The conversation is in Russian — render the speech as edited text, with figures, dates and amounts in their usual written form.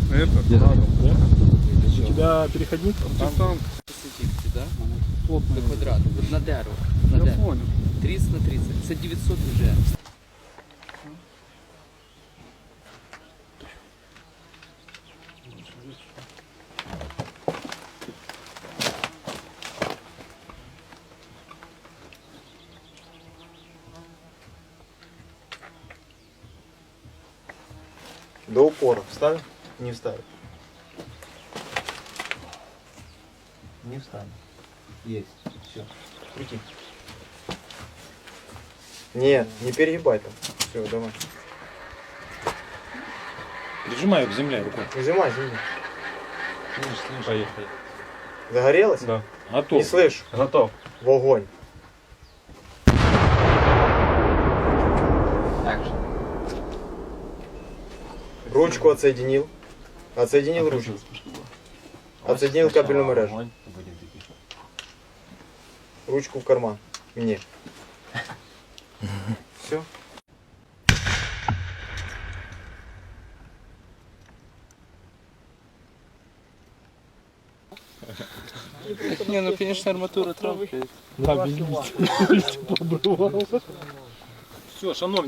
У тебя переходник? Там да? До квадрату. Вот на дерево. На дерево. 30 на 30. Це 900 вже. До упора. Вставил? Не вставил. Не вставил. Есть. Все. Крути. Нет, не перегибай там. Все, давай. Прижимай к земле рукой. Нажимай, земли. Поехали. Загорелось? Да. Не Готов. слышу. Готов. В огонь. Ручку отсоединил. Отсоединил ручку. Отсоединил кабельную мережу. Ручку в карман. Мне. Все. Не, ну конечно арматура трохи. Да, все, шановні.